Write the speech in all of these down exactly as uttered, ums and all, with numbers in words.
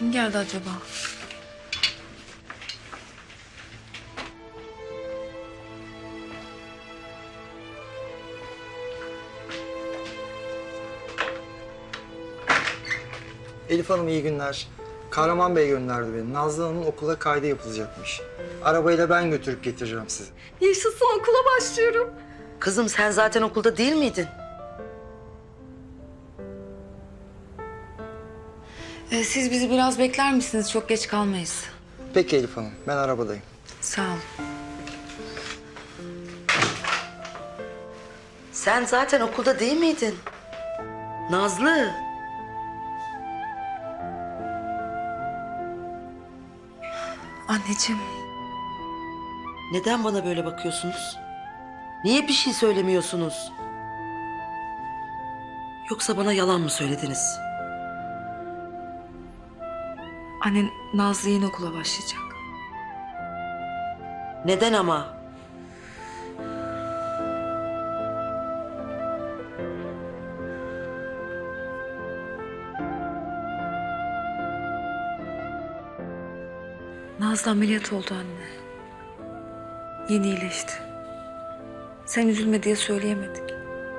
Kim geldi acaba? Elif Hanım iyi günler. Kahraman Bey gönderdi beni. Nazlı Hanım'ın okula kaydı yapılacakmış. Arabayla ben götürüp getireceğim sizi. Yaşasın, okula başlıyorum. Kızım sen zaten okulda değil miydin? Ee, siz bizi biraz bekler misiniz? Çok geç kalmayız. Peki Elif Hanım, ben arabadayım. Sağ ol. Sen zaten okulda değil miydin? Nazlı. Anneciğim. Neden bana böyle bakıyorsunuz? Niye bir şey söylemiyorsunuz? Yoksa bana yalan mı söylediniz? Annen Nazlı yeni okula başlayacak. Neden ama? Nazlı ameliyat oldu anne. Yeni iyileşti. Sen üzülme diye söyleyemedik.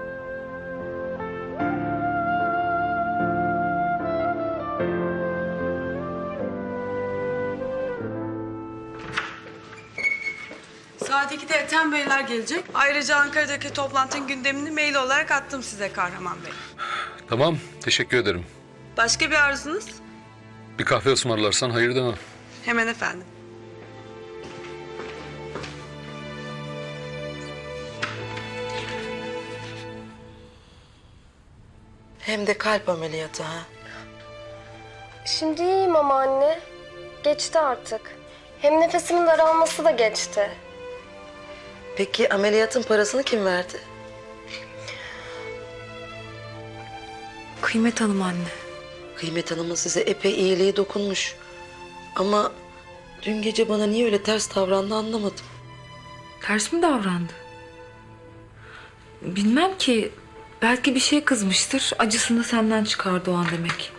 Saat ikide Ethem Beyler gelecek. Ayrıca Ankara'daki toplantının gündemini mail olarak attım size Kahraman Bey. Tamam, teşekkür ederim. Başka bir arzunuz? Bir kahve ısmarlarsan hayır demem. Hemen efendim. Hem de kalp ameliyatı ha. Şimdi iyiyim ama anne. Geçti artık. Hem nefesimin daralması da geçti. Peki ameliyatın parasını kim verdi? Kıymet Hanım anne. Kıymet Hanım'ın size epey iyiliği dokunmuş. Ama dün gece bana niye öyle ters davrandı anlamadım. Ters mi davrandı? Bilmem ki. Belki bir şey kızmıştır. Acısını senden çıkardı o an demek.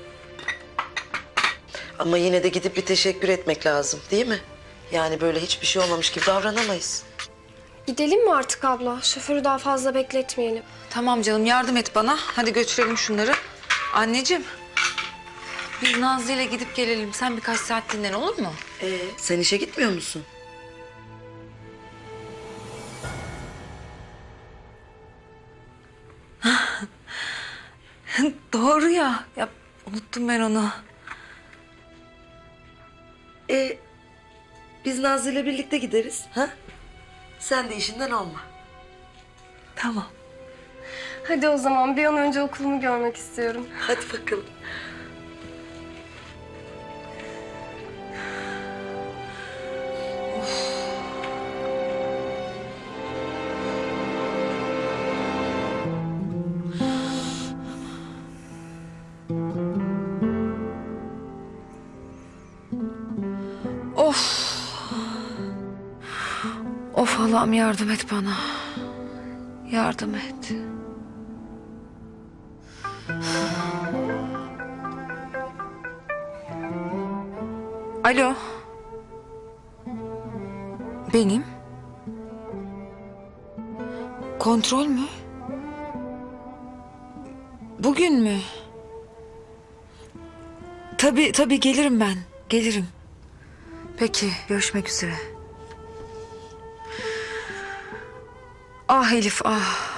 Ama yine de gidip bir teşekkür etmek lazım değil mi? Yani böyle hiçbir şey olmamış gibi davranamayız. Gidelim mi artık abla? Şoförü daha fazla bekletmeyelim. Tamam canım, yardım et bana. Hadi götürelim şunları. Anneciğim. Biz Nazlı ile gidip gelelim. Sen birkaç saat dinlen, olur mu? Ee, sen işe gitmiyor musun? Doğru ya. Ya unuttum ben onu. Ee, biz Nazlı ile birlikte gideriz. Ha? Sen de işinden olma. Tamam. Hadi o zaman bir an önce okulumu görmek istiyorum. Hadi bakalım. Of. Of Allah'ım, yardım et bana. Yardım et. Alo. Benim. Kontrol mü? Bugün mü? Tabii tabii, gelirim ben. Gelirim. Peki, görüşmek üzere. Ah Elif, ah.